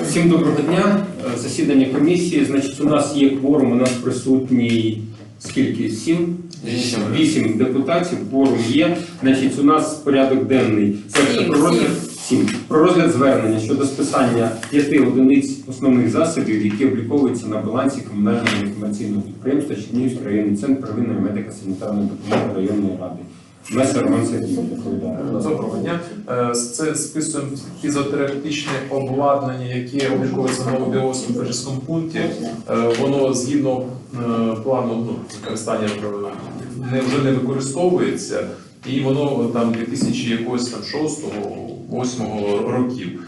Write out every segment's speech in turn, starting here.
Всім доброго дня. Засідання комісії. Значить, у нас є кворум, у нас присутній скільки? 8 депутатів. Кворум є. Значить, у нас порядок денний. Це про розгляд звернення щодо списання 5 одиниць основних засобів, які обліковуються на балансі комунального некомерційного підприємства Чернігівський районний центр первинної медико-санітарної допомоги районної ради. Месер Роман Сергійович доповідає. Доброго дня. Це списуємо фізіотерапевтичне обладнання, яке обліковується на Новобіговському Пежівському пункті. Воно згідно плану використання вже не використовується, і воно там 2006-2008 років.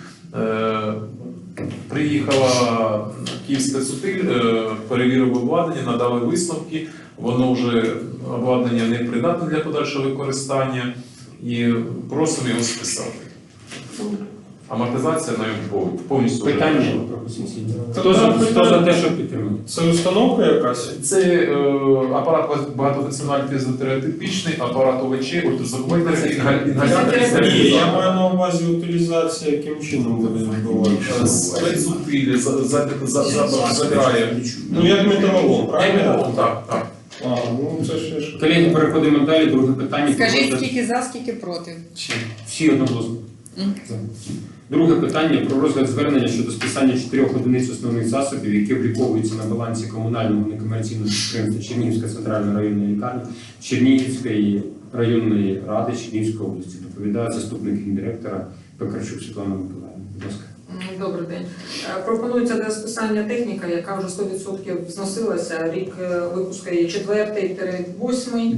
Приїхала Київська сутиль, перевірив обладнання, надали висновки, воно вже обладнання не придатне для подальшого використання і просимо його списати. Амортизація на повністю. Питання пропозиції. Хто за те, що підтримати? Це установка якась? Це апарат багатофункціональний фізіотерапевтичний, апарат ОВЧ, ультразвуковий інгалятор. Ні, я маю на увазі утилізація, яким чином буде відбуватися. Спецзутилі забирає. Ну як металолом, правильно? Так. Ну це ще. Колеги, переходимо далі. Друге питання. Скажіть, скільки за, скільки проти? Всі одноголосно. Друге питання про розгляд звернення щодо списання 4 одиниць основних засобів, які обліковуються на балансі комунального некомерційного підприємства Чернігівська центральна районна лікарня Чернігівської районної ради Чернігівської області. Доповідає заступник гендиректора Пекарчук Світлана Миколаївна. Будь ласка. Добрий день. Пропонується для списання техніка, яка вже 100% зносилася. Рік випуску є 4-8.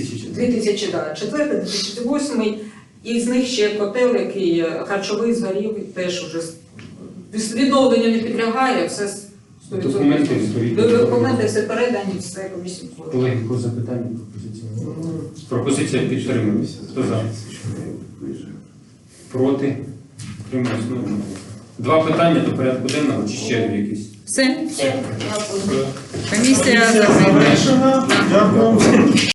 2004-2008. І з них ще котел, який харчовий згорів, теж вже відновлення не підлягає, все 100%. Документи все передані, все комісію. Колеги, по запитання, пропозиція. Пропозиція підтримується. Хто за? Проти? Підтримується. Два питання до порядку денного, чи ще якісь? Все. Комісія Комісія закрита. завершена. Дякую.